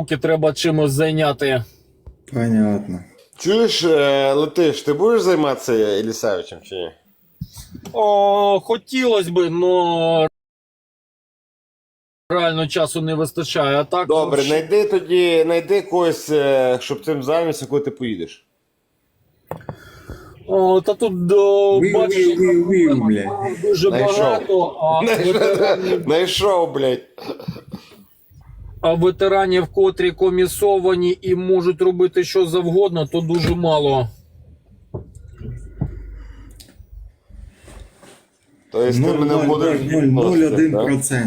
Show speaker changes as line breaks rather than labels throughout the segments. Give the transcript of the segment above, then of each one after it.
штуки треба чимось зайняти.
Понятно.
Чуєш, Летиш, ти будеш займатися Єлісавичем чи ні?
О, хотілося б, но реально часу не вистачає. А так,
Добре, знайди когось, щоб цим займатися, коли ти поїдеш.
О, та тут бачиш,
блядь.
дуже
Знайшов.
багато,
Знайшов, блядь.
а ветеранів, котрі комісовані і можуть робити що завгодно, то дуже мало.
Тобто ти мене вводиш в відносини, так?
0,01%.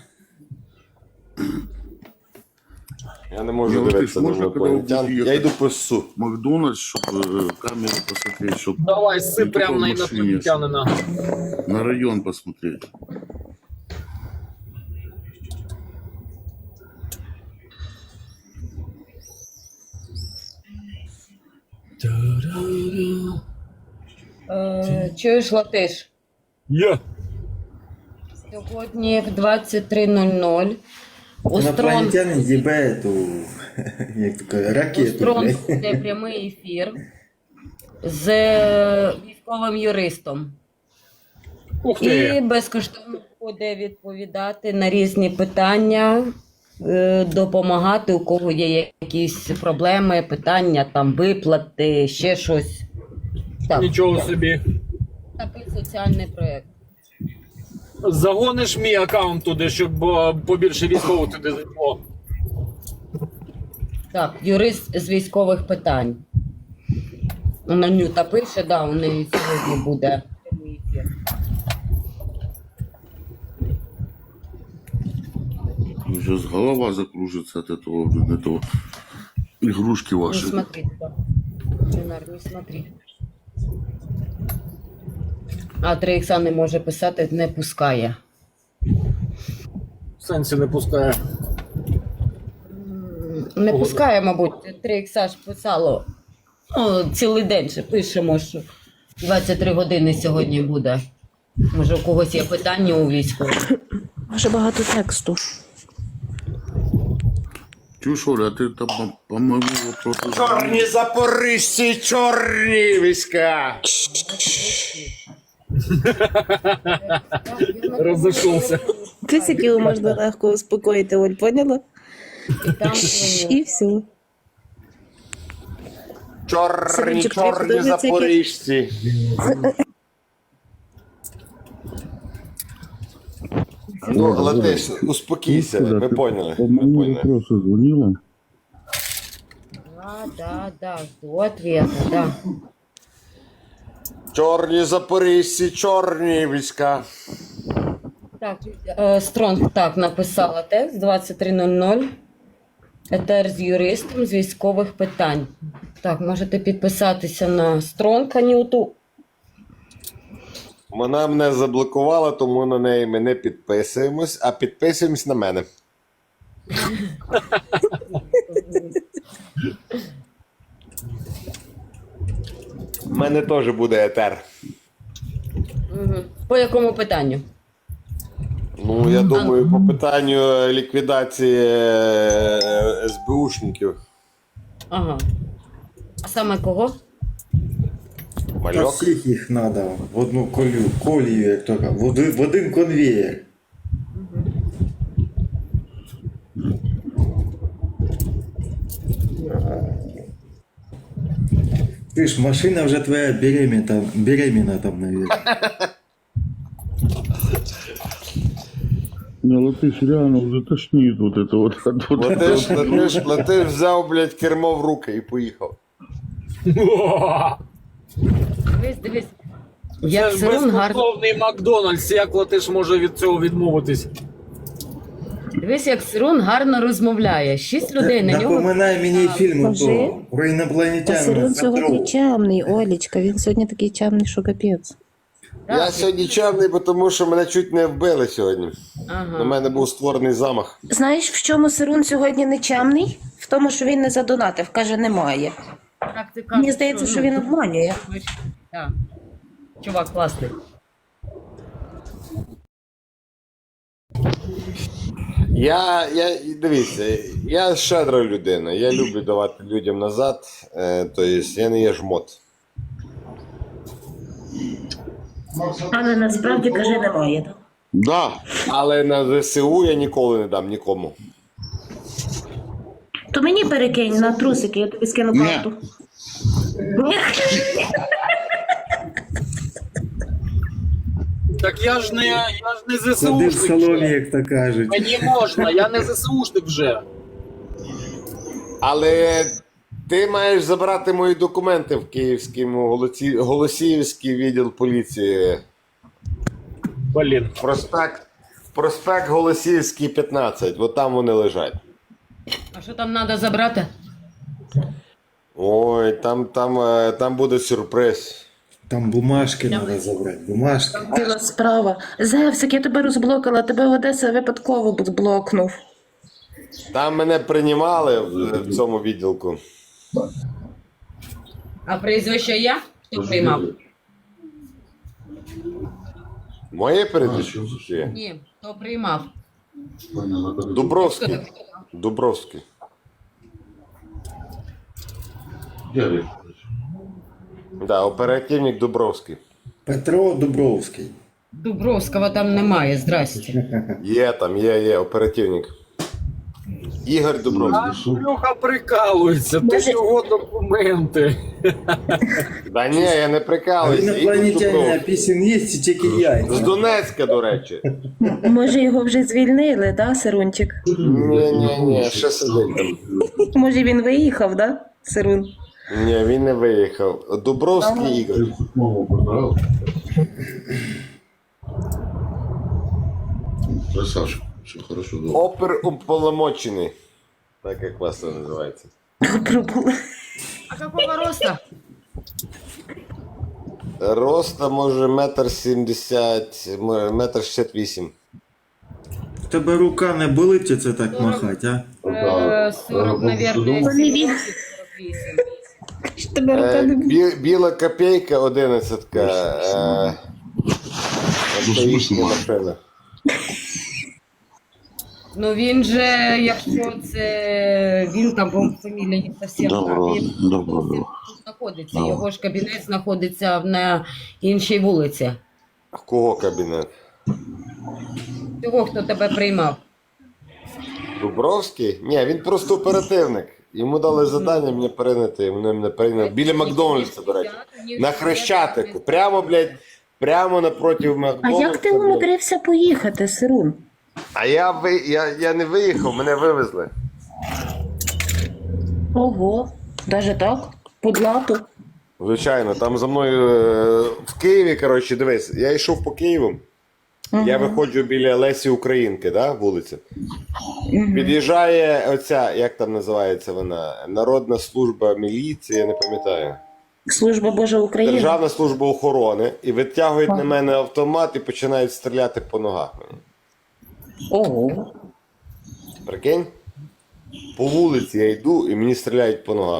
Я не можу дивитися на інопланетян. Я йду по СУ.
Макдональдс, чтобы камеру посмотреть, чтобы
Давай, сип
не
прямо на
только в машине,
інопланетянина.
на район посмотреть.
Чуєш, Латиш?
Є.
Сьогодні в 23:00 у
Инопланетянин ебе эту, як така, ракету,
Строн
блядь.
буде прямий ефір з військовим юристом.
Ух
І
ти.
безкоштовно буде відповідати на різні питання, допомагати, у кого є якісь проблеми, питання, там виплати, ще щось. Так,
Нічого собі.
такий соціальний проєкт.
Загониш мій аккаунт туди, щоб побільше військових туди зайшло.
Так, юрист з військових питань. Нанюта пише, да, у неї сьогодні буде прямий ефір.
Сейчас голова закружится от этого, блин, этого игрушки
Не
ваши.
смотри туда. Ленар, не смотри. А 3х не може писати, не пускає.
В сенсі не пускає.
Не пускає, мабуть, 3х ж писало. О, цілий день ще пишемо, що 23 години сьогодні буде. Може, у когось є питання у військових?
Може багато тексту.
Чушь, Оля, а ты там по моему вопросу...
Чорні запорожці, чорні війська!
Розійшовся.
Ти сиділа, можна легко успокоїти, Оль, поняла?
І там
І все.
Чорні,
Синочок, тобі
чорні
подобається
запорожці. Ну, Летиш, успокійся, ми поняли.
По
Ми
моему
поняли.
вопросу звонила.
Да, жду ответа, да.
Чорні запорожці, чорні війська.
Так, Стронг так написала текст 23:00. Етер з юристом з військових питань. Так, можете підписатися на Стронг Анюту.
Вона мене заблокувала, тому на неї ми не підписуємось, а підписуємось на мене. У мене теж буде етер.
По якому питанню?
Ну, я думаю, по питанню ліквідації СБУшників.
Ага. А саме кого?
Та
Мальок.
всіх їх надо в одну колію, як то кажуть, в один конвеєр. Ти ж машина вже твоя беременна там, наверное.
Не, Латыш, реально уже тошнит вот это вот.
Летиш, взяв, блядь, кермо в руки і поїхав.
Дивись.
Це
Як
ж
Сирун гарно.
безкоштовний Макдональдс, як Латиш може від цього відмовитись?
Дивись, як Сирун гарно розмовляє. 6 людей на нього.
Напоминай мені фільм
Скажи.
того, про
А
інопланетян.
Сирун сьогодні чемний, Олечка, він сьогодні такий чемний, що капець.
Я сьогодні чемний, тому що мене чуть не вбили сьогодні.
Ага.
На мене був створений замах.
Знаєш, в чому Сирун сьогодні не чемний? В тому, що він не задонатив, каже, немає.
Так, ти кажеш,
Мені здається, що він обманює.
Так. Чувак класний.
Дивіться, я щедра людина, я люблю давати людям назад, тобто я не є жмот.
Але насправді, каже, немає. Так?
Да.
Але на ЗСУ я ніколи не дам нікому.
То мені перекинь на трусики, я тобі скину
Ні.
карту. Ні.
Так я ж не
Сиди в
ЗСУшник
салоні,
вже.
як то кажуть.
Мені можна, я не ЗСУшник вже.
Але ти маєш забрати мої документи в Київському Голосіївський відділ поліції.
Блін.
Проспект Голосіївський, 15. От там вони лежать.
А що там треба забрати?
Ой, там буде сюрприз.
Там бумажки треба забрати. Бумажки.
Біла справа. Зевсик, я тебе розблокала, тебе Одеса випадково блокнув.
Там мене приймали в цьому відділку.
А прізвище я? Хто приймав?
Моє передачі?
Ні, хто приймав?
Дубровський. Дубровський. Да, оперативник Дубровський.
Петро Дубровський.
Дубровського там немає, здрасте.
Є, оперативник. Ігор Дубровський.
А Шлюха прикалується, ти
Може-
його документи.
Да ні, я не
А
прикалуюся. Ігор
інопланетяне
Дубровський.
пісень є, чи тільки
З
яйця?
Донецька, до речі.
Може, його вже звільнили, да, Сирунчик?
Ні, ще сидить там.
Може, він виїхав, да, Сирун?
Ні, він не виїхав. Дубровський Ігор.
Красавчик. Все хорошо, добре.
Оперуполномочений. Так як вас це називається.
Пробула.
А какого роста?
Роста може 1,70 м, 1,68 м.
В тебе рука не болить, чи це так махати, а?
40, наверное,
Вони він.
48.
Що тебе рука не буде?
Біла копійка 11-ка. Це їхня машина.
Ну він же, якщо це він там, по фамілії не зовсім
Добро,
він
добро.
тут знаходиться. Його ж кабінет знаходиться на іншій вулиці.
В кого кабінет?
Того, хто тебе приймав.
Дубровський? Ні, він просто оперативник. Йому дали завдання мене прийняти, вони мене прийняли. Біля Макдональдса, до речі. На Хрещатику. Прямо, блядь, прямо напроти
А
Макдональдса.
як ти
блядь.
умудрився поїхати, Сирун?
А я не виїхав, мене вивезли.
Ого, даже так? По блату?
Звичайно, там за мною в Києві, коротше, дивись, я йшов по Києву, я виходжу біля Лесі Українки, да, вулиця. Під'їжджає оця, як там називається вона, Народна служба міліції, я не пам'ятаю.
Служба Божа України.
Державна служба охорони, і витягують на мене автомат і починають стріляти по ногах мені.
Ого.
Прикинь? По вулиці я йду і мені стріляють по ногах.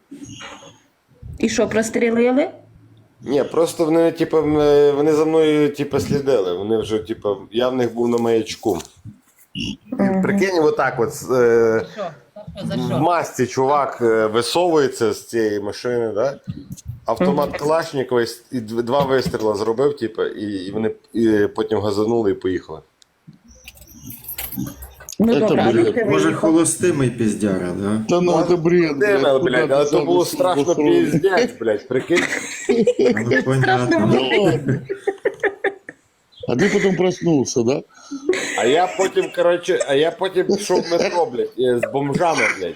І що, прострілили?
Ні, просто вони, типу, вони за мною, типу, слідили. Вони вже, типу, я в них був на маячку. Прикинь, отак от
Що? За
в
що?
масці чувак висовується з цієї машини, да? Автомат Калашникова і два вистріли зробив, типу, і вони потім газанули і поїхали.
Ну
Це
добре, а
бред.
як ти
Може,
виїхав?
холостимий піздяра, да?
Та ну, це бред,
Диме,
куда
блядь,
ти
але то
сам
було
собі
страшно
устроїв?
піздець, блядь, прикинь.
Ну, понятно.
А ты потом проснулся, да?
А я потім пішов в метро, блядь, з бомжами, блядь.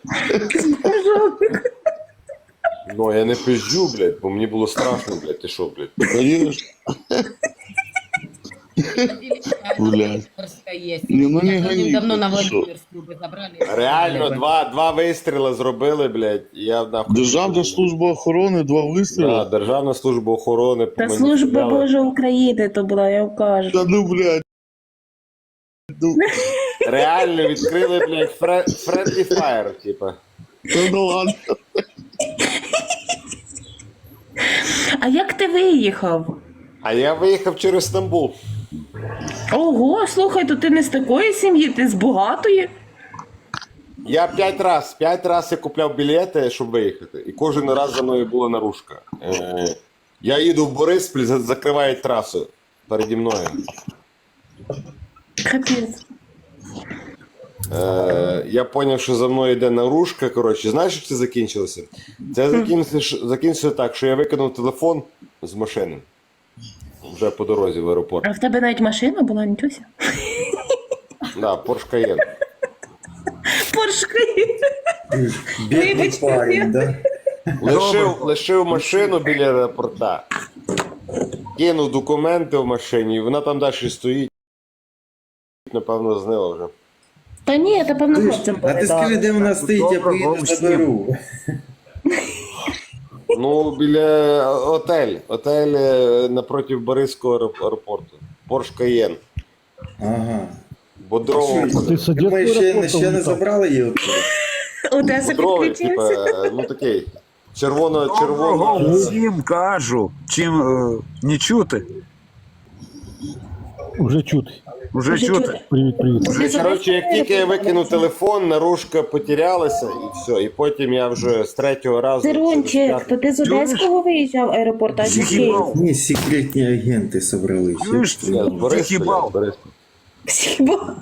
Ну, я не пизджу, блядь, бо мені було страшно, блядь, ти що, блядь.
Конечно. Блядь.
Есть.
Не, ну не
Я
гони,
давно на
ты что?
Владимирскую бы забрали.
Реально, два вистріли зробили, блядь, і я нахуй.
Державна служба охорони, 2
Да,
вистріли.
Державна служба охорони. по
Та
мені
служба
стріляли.
Божа України то була, я вам кажу.
Та ну, блядь. Ну,
Реально відкрили, блядь, friendly fire, типа.
та ну ладно.
А як ти виїхав?
А я виїхав через Стамбул.
Ого, слухай, то ти не з такої сім'ї, ти з багатої.
Я 5 раз я купляв білети, щоб виїхати. І кожен раз за мною була наружка. Я їду в Бориспіль, закривають трасу переді мною.
Капець.
Я зрозумів, що за мною йде наружка. Коротше, знаєш, як це закінчилося? Це закінчилося так, що я викинув телефон з машини. Вже по дорозі в аеропорт.
А в тебе навіть машина була, нічого ся?
Да, Porsche Cayenne.
Поршки.
Бідний
Вибачте,
парень, да?
Лишив машину біля аеропорта. Кинув документи в машині, і вона там далі стоїть. Напевно, знила вже.
Та ні, та певно хлопцям
А ти скажи, де вона стоїть, я поїду заберу.
Ну, біля Отель напроти Бориспільського аеропорту. Porsche Cayenne.
Ага.
Бодрового.
Ти ще не забрали її оттуда?
Одеса
Бодровий,
підключився.
ну такий.
Доброго
Червоно.
всім кажу. Чим не чути?
Вже чути.
Вже чути.
Привіт, привіт.
Коротше, як тільки я викинув телефон, наружка потерялася і все. І потім я вже з третього разу...
Сирончик, то ти з Одеського виїжджав аеропорт, а з Києва?
Ні, секретні агенти собрались.
Чуєш?
Ні, з Бориспіля,
Хіба?
з Бориспіля.
Хіба?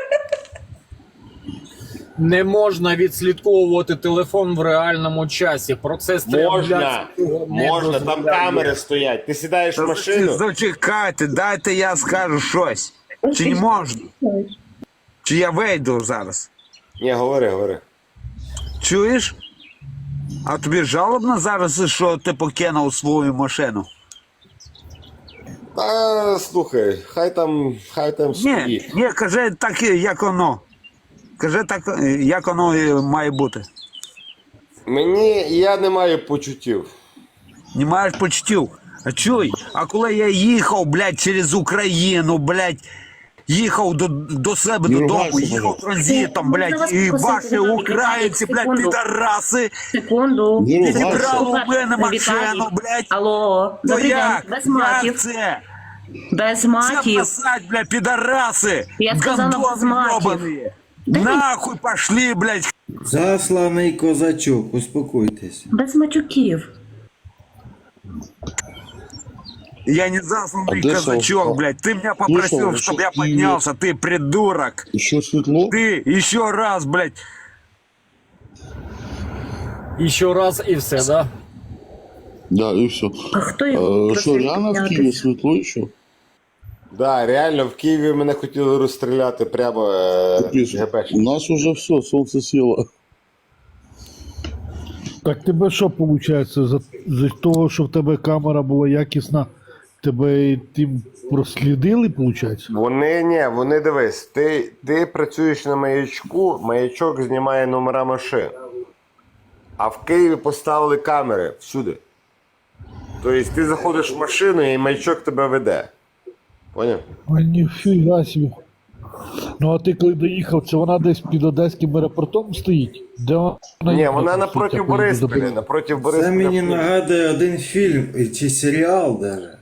Не можна відслідковувати телефон в реальному часі. Процес
Можна,
цього не
можна, там
дозволяє.
камери стоять. Ти сідаєш в машину,
Зачекайте, дайте я скажу щось. Чи не можна? Чи я вийду зараз?
ні, говори.
Чуєш? А тобі жалобно зараз, що ти покинув свою машину?
Та слухай, хай там
Ні,
стоїть.
ні, кажи так, як воно. Кажи так, як воно і має бути.
Я не маю почуттів.
Не маєш почуттів. А чуй, а коли я їхав, блядь, через Україну, блядь, їхав до себе додому, їхав транзитом, блядь, і ваші українці, блядь, підараси,
Секунду.
зібрали у мене машину, блядь.
Алло,
Ну
добрий день,
як?
без
Як
матів.
це?
Без
Це
матів.
писать, блядь, підараси,
Я сказала, без
гандони
матів.
ёбаные. Нахуй пошли, блядь.
Засланий козачок, успокойтесь.
Без матюків.
Я не засланный
А где
казачок,
Савка?
блядь. Ты меня попросил,
Слышал,
чтобы я
что
поднялся, ты придурок.
Еще светло?
Ты еще раз, блядь.
І ще раз, і все, да?
Да, и все.
А хто його
Что, реально в Киеве
піднятися?
светло еще?
Да, реально, в Києві мене хотіли розстріляти прямо ГБшники.
У нас уже все, солнце село.
Так тебе що виходить? За того, що в тебе камера була якісна, тебе тим прослідили, виходить?
Вони дивись, ти працюєш на маячку, маячок знімає номера машин. А в Києві поставили камери всюди. Тобто ти заходиш в машину і маячок тебе веде. Поняв?
А ніфіга собі. Ну а ти коли доїхав, це вона десь під Одеським аеропортом стоїть? Де вона?
Ні, вона напроти Бориспіля, напроти
Це
Бориспіля.
мені нагадує один фільм чи серіал даже.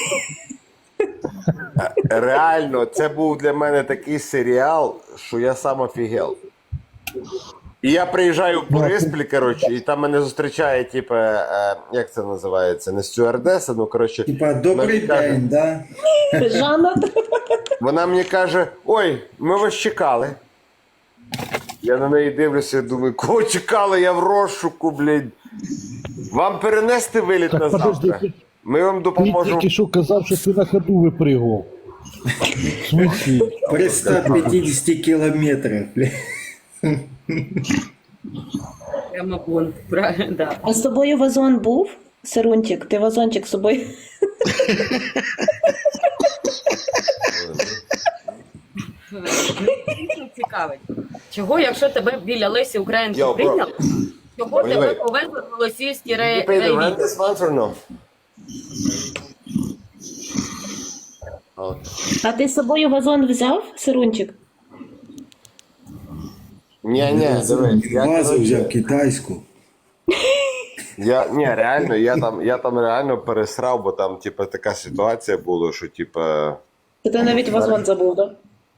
Реально, це був для мене такий серіал, що я сам офігел. І я приїжджаю в Бориспіль, коротше, і там мене зустрічає, типу, як це називається, не стюардеса, ну, коротше.
Типа, добрий
вона каже-
день, да?
Жанна.
Вона мені каже, ой, ми вас чекали. Я на неї дивлюся і думаю, кого чекали, я в розшуку, блядь. Вам перенести виліт на
Так, подожди,
завтра? Ми вам
Ти
допоможемо.
тільки що казав, що ти на ходу випригував. В смислі?
При 150 кілометрах, бля.
Прямо бунт, правильно, да.
А з тобою вазон був? Сирунчик, ти вазончик з собою?
Цікавить. Чого, якщо тебе біля Лесі Українки
Yo, bro.
прийняли, чого
Wait,
тебе
wait.
повезли в Голосіївський
You pay the
райвідділ?
rent this month or no?
А ти з собою вазон взяв, Сирунчик?
Ні, дивись. Я,
Вазу
коротше,
взяв китайську.
реально, я там реально пересрав, бо там, типа, така ситуація була, що, типа,
Ти навіть вазон забув, так?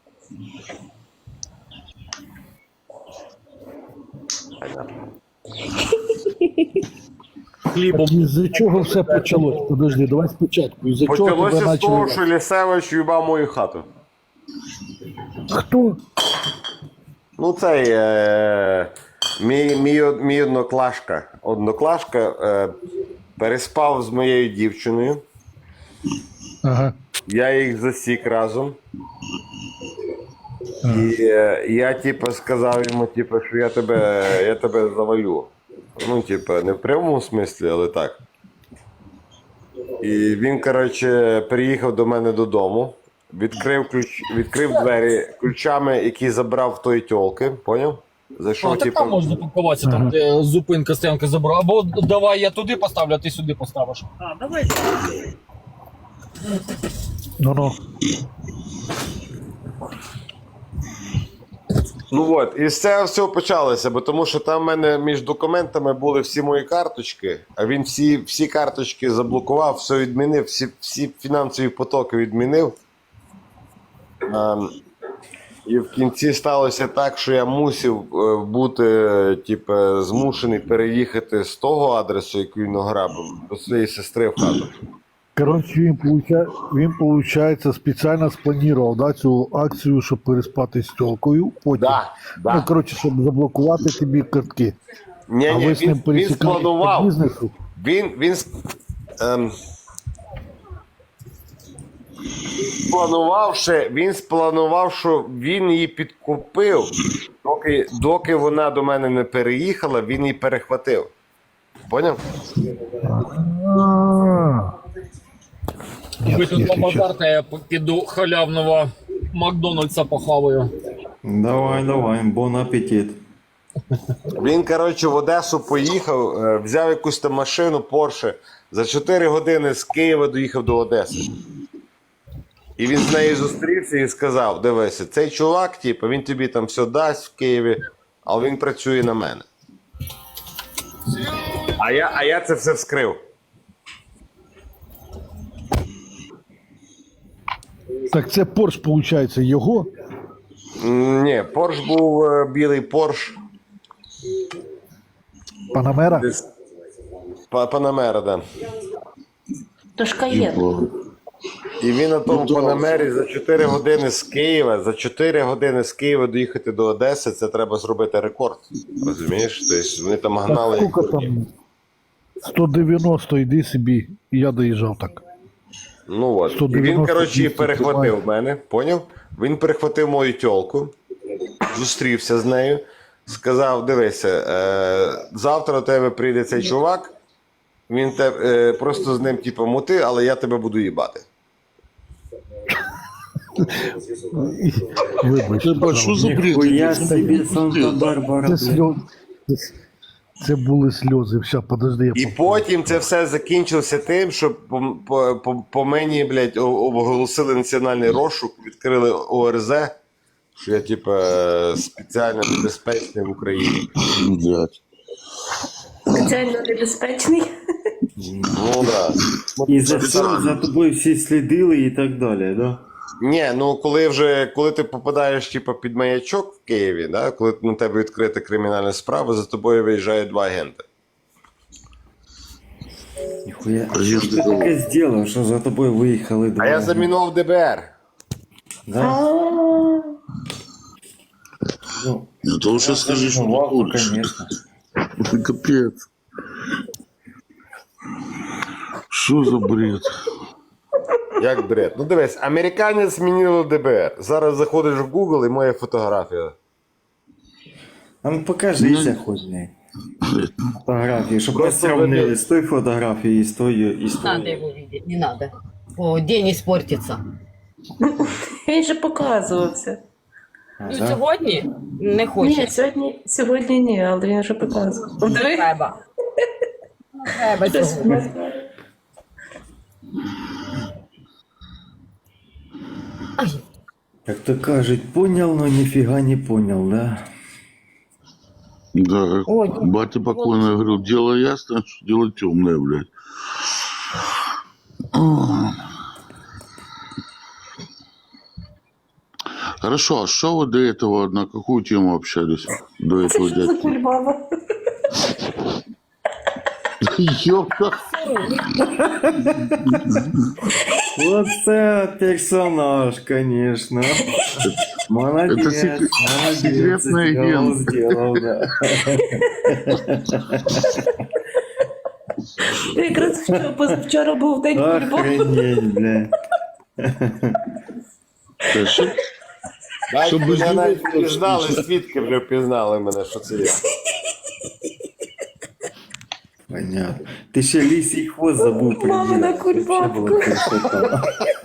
Хлібом.
Із-за чого все почалось? Подожди, давай спочатку. Із-за чого тебе
Почалося з того,
почали?
що Лісевич їбав мою хату.
Хто?
Ну, цей мій одноклашка переспав з моєю дівчиною.
Ага.
Я їх засік разом. І я, типу, сказав йому, типу, що я тебе завалю. Ну, типу, не в прямому смислі, але так. І він, коротше, приїхав до мене додому, відкрив двері ключами, які забрав в тої тьолки, поняв? Зайшов,
Так
типу,
там можна запаркуватися, там, де зупинка, стоянка забрала. Або давай я туди поставлю, а ти сюди поставиш.
Ну-ну.
Ну от, і з цього всього почалося, бо тому що там в мене між документами були всі мої карточки, а він всі карточки заблокував, все відмінив, всі фінансові потоки відмінив. І в кінці сталося так, що я мусив бути, типу, змушений переїхати з того адресу, який він ограбив, до своєї сестри в хату.
Коротше, він, получається, спеціально спланував, да, цю акцію, щоб переспати з тілкою. Потім.
Да.
Ну, коротше, щоб заблокувати тобі картки.
Ні,
А ви з ним
він
пересікалися по
спланував.
бізнесу?
Він спланував, що він її підкупив, доки вона до мене не переїхала, він її перехватив. Поняв?
Ви тут побазарте, я піду халявного Макдональдса похаваю.
Давай, бон апетит.
Він, коротше, в Одесу поїхав, взяв якусь там машину Porsche, за 4 години з Києва доїхав до Одеси. І він з нею зустрівся і сказав: дивися, цей чувак, типу, він тобі там все дасть в Києві, але він працює на мене. А я це все вскрив.
Так це Порш, виходить, його?
Ні, Порш був білий Порш.
Панамера?
Панамера, да.
То ж Каєн.
І він на тому Панамері за 4 години з Києва, доїхати до Одеси, це треба зробити рекорд. Розумієш? Тобто вони там гнали.
Скільки там? 190, йди собі. І я доїжджав так.
Ну от. І
190
він, коротше, її
200
перехватив мене, поняв? Він перехватив мою тьолку, зустрівся з нею, сказав: дивися, завтра до тебе прийде цей чувак, він просто з ним, типу, мути, але я тебе буду їбати.
Вибач.
Що за бред?
Хуя собі Санта-Барбара.
Це були сльози. Все, подожди.
І потім це все закінчилося тим, що по мені, блядь, оголосили національний розшук, відкрили ОРЗ, що я, типу, спеціально небезпечний в Україні.
Блядь.
Спеціально небезпечний.
Ну, да.
І за це за тобою всі слідили і так далі, да?
Ні, ну коли ти попадаєш, типу, під маячок в Києві, да, коли на тебе відкрита кримінальна справа, за тобою виїжджають 2 агенти.
Ніхуя, а що ти таке зробив, що за тобою виїхали два?
А я замінував ДБР.
Да? Ну,
Ну, то лучше скажи, что ты
ваху,
куришь.
конечно.
Капец. Что за бред?
Як бред. Ну дивись, американець змінив ДБР. Зараз заходиш в Google і моя фотографія.
А ну покажися хоч, блядь. Фотографії, щоб ми
Просто
сравнили з тою фотографією і з тою, і з
Надо
тою.
его видеть, не надо. О, день испортится.
Він же показувався.
А,
Ну,
да?
сьогодні не
Ні,
хоче.
сьогодні ні, але він вже показував. Диви.
Треба. Треба
Хтось
сьогодні.
назвав.
Ай,
Як то кажуть, понял, но ніфіга не понял, да?
Да,
Ой.
батя покойный говорил, дело ясное, что дело темное, блядь. Хорошо, а что вы до этого, на какую тему общались? До этого
Що за
дядьки?
кульбаба?
Ёпта.
Оце персонаж, конечно. Молодец,
Это
молодец.
секретный
сделал,
агент.
сделал, да.
Ти якраз позавчора був день кульбаби.
Охренеть, бля.
Батько,
без
вже
людей
навіть
було
впізнали, свідки вже впізнали мене, що це я.
Понятно. Ти ще лисий хвост забув
Мамина
приділити.
кульбабка.
Це було красота.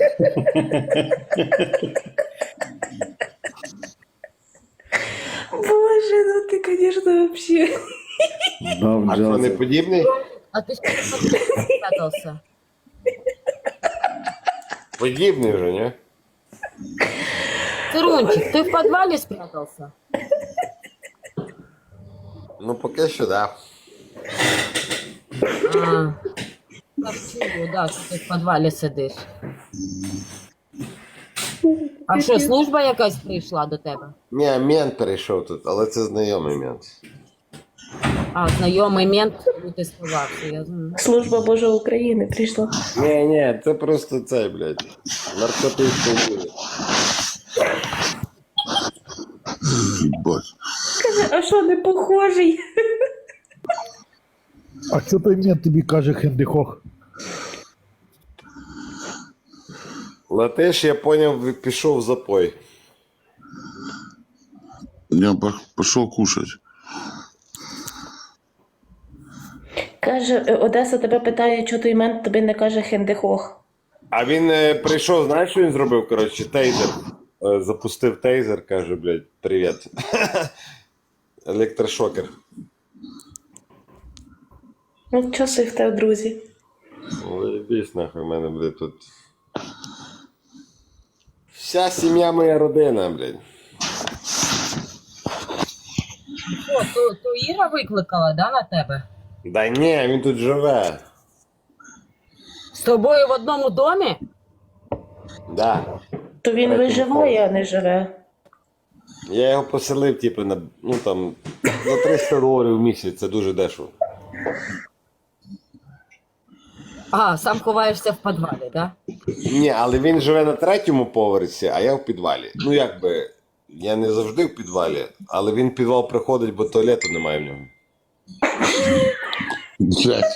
Боже, ну ти, звісно, вообще.
Дав
А що, не
джаз.
подібний?
А ты что спрятался?
Подібний вже, ні?
Сырунчик, ты в подвале спрятался?
Ну, поки що, да.
А, так чую, да, що ти в подвалі сидиш. А що, служба якась прийшла до тебе?
Ні, мент перейшов тут, але це знайомий мент.
А, знайомий мент, ну ти сховався, я знаю.
Служба Божа України прийшла.
Ні, це просто цей, блядь, наркотичний вулик.
Ебать.
Каже, а що, не похожий?
А що той мент тобі каже Хендихох?
Латиш, я поняв, пішов в запой.
Я пошел кушать.
Каже, Одеса тебе питає, чого той мент тобі не каже Хендехох.
А він прийшов, знаєш, що він зробив? Коротше, тейзер. Запустив тейзер, каже, блядь, привіт. Електрошокер.
Ну, часи в тебе, друзі.
Вибісь нахуй, в мене, блядь, тут. Вся сім'я моя родина, блядь.
О, то Іра викликала, да, на тебе?
Да ні, він тут живе.
З тобою в одному домі?
Да.
То він виживає, а не живе.
Я його поселив, типу, на, ну там, за $300 в місяць, це дуже дешево.
А, сам ховаєшся в підвалі, да?
Ні, але він живе на 3-му поверсі, а я в підвалі. Ну, якби, я не завжди в підвалі, але він в підвал приходить, бо туалету немає в нього.
Блядь.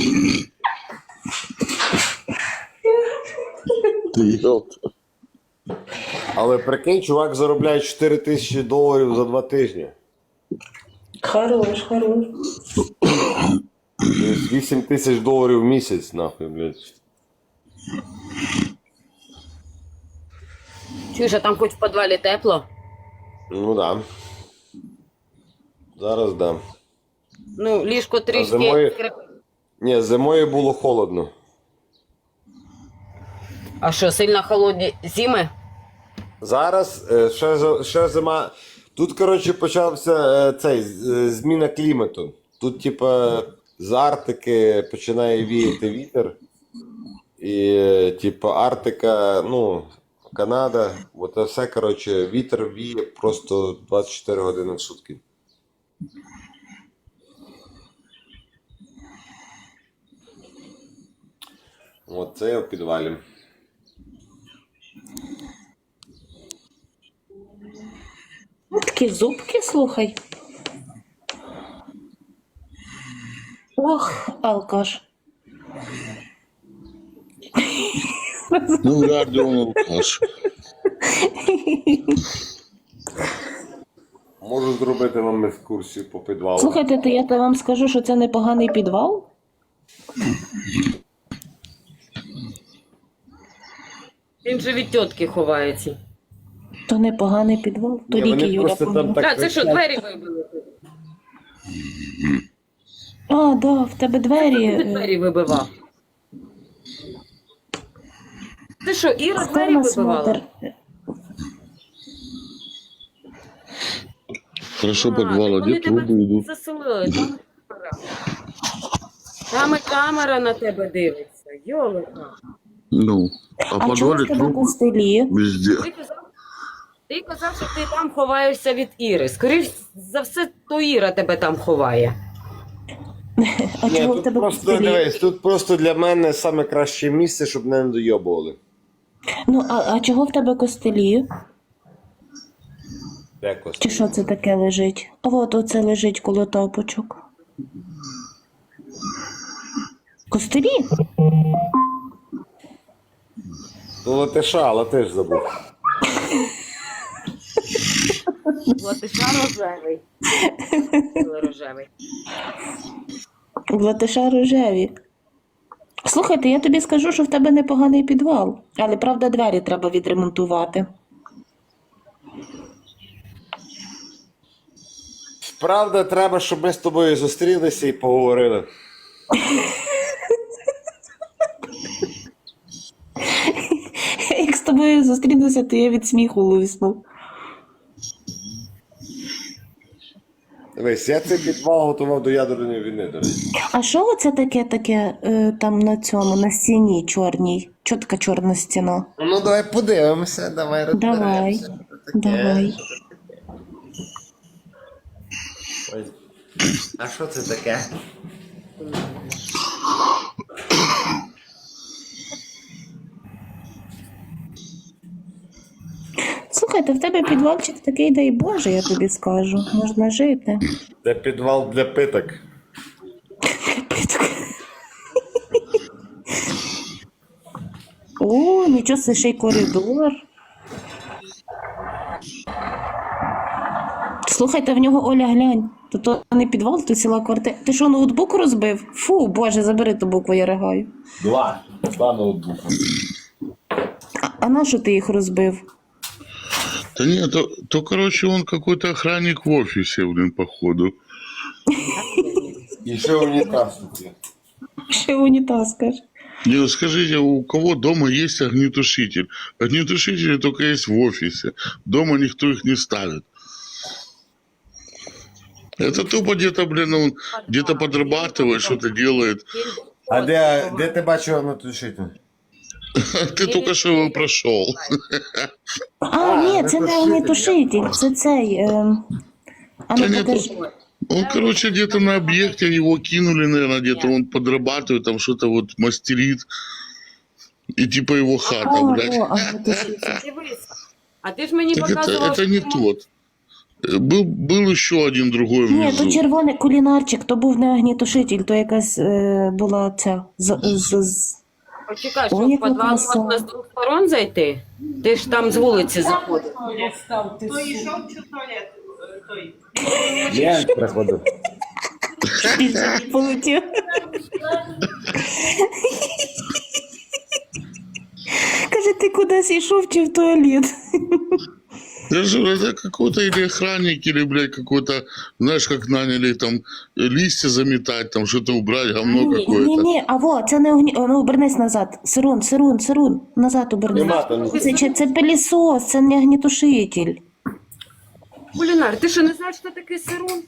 Ты ёпта.
Але прикинь, чувак заробляє $4000 за 2 тижні.
Хорош, хорош.
Тобто $8000 в місяць, нахуй, блядь.
Чуєш, а там хоч в підвалі тепло?
Ну да. Зараз да.
Ну, ліжко трішки
зимою-
скрипить.
Ні, зимою було холодно.
А що, сильно холодні зими?
Зараз ще зима. Тут, коротше, почався зміна клімату. Тут, типа, з Арктики починає віяти вітер. І, типа, Арктика, ну, Канада, от це все, коротше, вітер віє просто 24 години в сутки. От це я в підвалі.
Ну, такі зубки, слухай. Ох, алкаш.
Ну, вряд ли он алкаш.
Можу зробити вам екскурсію по підвалу.
Слухайте, то я вам скажу, що це непоганий підвал.
Він же від тітки ховається.
То непоганий підвал. То
Ні,
ліки
вони
Юля
просто там
помила.
так
Так, це що,
кричать.
двері вибили?
А, да, в тебе
Ти
двері.
двері вибивав. Ти що, Іра
Хто
двері
нас
вибивала?
модер?
Хорошо подвал, а
вони
где
тебе
трубы идут?
заселили, там камера. Там і камера на тебе дивиться. Йолика.
Ну, а в
А чого в
подвале
тебе на
трубы
столі?
везде.
Ти казав, Ти казав, що ти там ховаєшся від Іри. Скоріше за все, то Іра тебе там ховає.
А
Ні,
чого в
тут
тебе
просто,
костелі?
дивись, тут просто для мене саме краще місце, щоб мене не дойобували.
Ну, а чого в тебе костелі?
Якось.
Чи що це таке лежить? А от оце лежить коло тапочок. Костелі?
Ну, латиша, латиш забув.
Латиша рожевий. Рожевий.
В латиша рожеві. Слухайте, я тобі скажу, що в тебе непоганий підвал. Але, правда, двері треба відремонтувати.
Правда, треба, щоб ми з тобою зустрілися і поговорили.
Як з тобою зустрінуся, то я від сміху лисну.
Дивись, я цей підвал готував до ядерної війни, до речі.
А що оце таке там на цьому, на стіні чорній? Чого така чорна стіна?
Ну, давай подивимося, давай
Давай, давай.
Ой. А що це таке?
Слухайте, в тебе підвалчик такий, дай Боже, я тобі скажу. Можна жити.
Це підвал для питок.
О, нічого, це ще й коридор. Слухайте, в нього Оля, глянь. То не підвал, то ціла квартира. Ти що, ноутбук розбив? Фу, Боже, забери ту букву, я ригаю.
Два ноутбука.
А на що ти їх розбив?
Да нет, то, короче, он какой-то охранник в офисе, блин, походу.
І ще унітаз тут є.
Ще унітаз, каже.
Не, ну скажите, у кого дома есть огнетушитель? Огнетушители только есть в офисе. Дома никто их не ставит. Это тупо где-то, блин, он где-то подрабатывает, что-то делает.
А де ти бачив огнетушитель?
Ты только что его прошел.
А, ні, це не огнетушитель, це цей. А
Да
ну
нет,
покажи.
он, короче, где-то на объекте его кинули, наверное, где-то он подрабатывает, там что-то вот мастерит. И типа его хата, блядь.
О, огнетушитель.
Дивись. А ти ж мені
Так
показував,
это не
що-
тот. Был еще один другой
Ні,
внизу.
то червоний кулінарчик, то був не огнетушитель, то якась була ця.
Почекай, що
Ой,
в
яка
підвал
краса.
можна з двох сторон зайти? Ти ж там з вулиці заходив.
Я приходив.
Полетів. Каже, ти кудись йшов чи в туалет?
Я же говорю, это какой-то или охранник, или, блядь, какой-то, знаешь, как наняли там листья заметать, там что-то убрать, говно какое-то.
Ні, а во, це не огні. Ну, обернись назад. Сирун, назад обернись.
Нема там.
Це пилісос, це не огнетушитель.
Кулінар, ти що не знаєш, що таке сирун?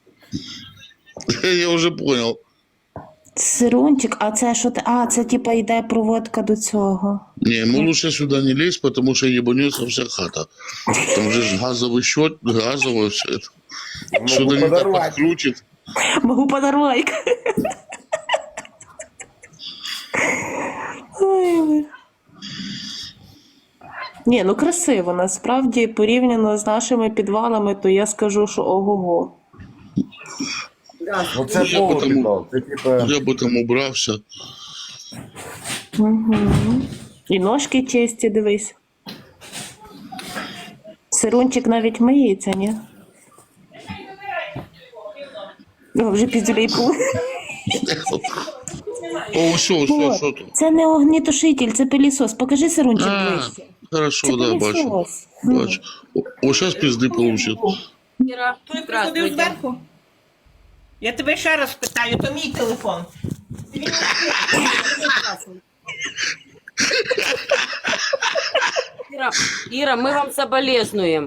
Я уже понял.
Сирунчик, а це що ти? А, це типа йде проводка до цього.
Не, ему лучше сюда не лезть, потому что ебанется вся хата. Там же ж газовый счет, газовое все это. Что-то не так
подорвать.
подкрутит.
Могу подорвать. Ой, ви. Ні, ну красиво, насправді, порівняно з нашими підвалами, то я скажу, що ого-го.
Ну це
Я
повод
потому-
підвал. Це типу.
Я бы там убрался.
Угу. І ножки чисті, дивись. Сирунчик навіть миється, ні? О, вже піздюлей були.
О, все, что тут?
Це не огнетушитель, це пилісос. Покажи сирунчик
А,
ближче.
хорошо,
Це
да, бачу.
пилісос. Ну.
Бачу. О, сейчас пизды получит.
Іра,
Той приходив
здравствуйте.
зверху. Я тебе ще раз питаю, то мій телефон.
Іра, ми вам соболезнуємо.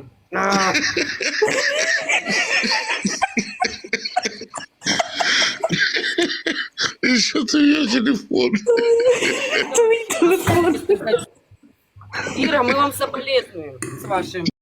Еще ты ее телефон.
Це мій телефон.
Іра, ми вам соболезнуємо з вашим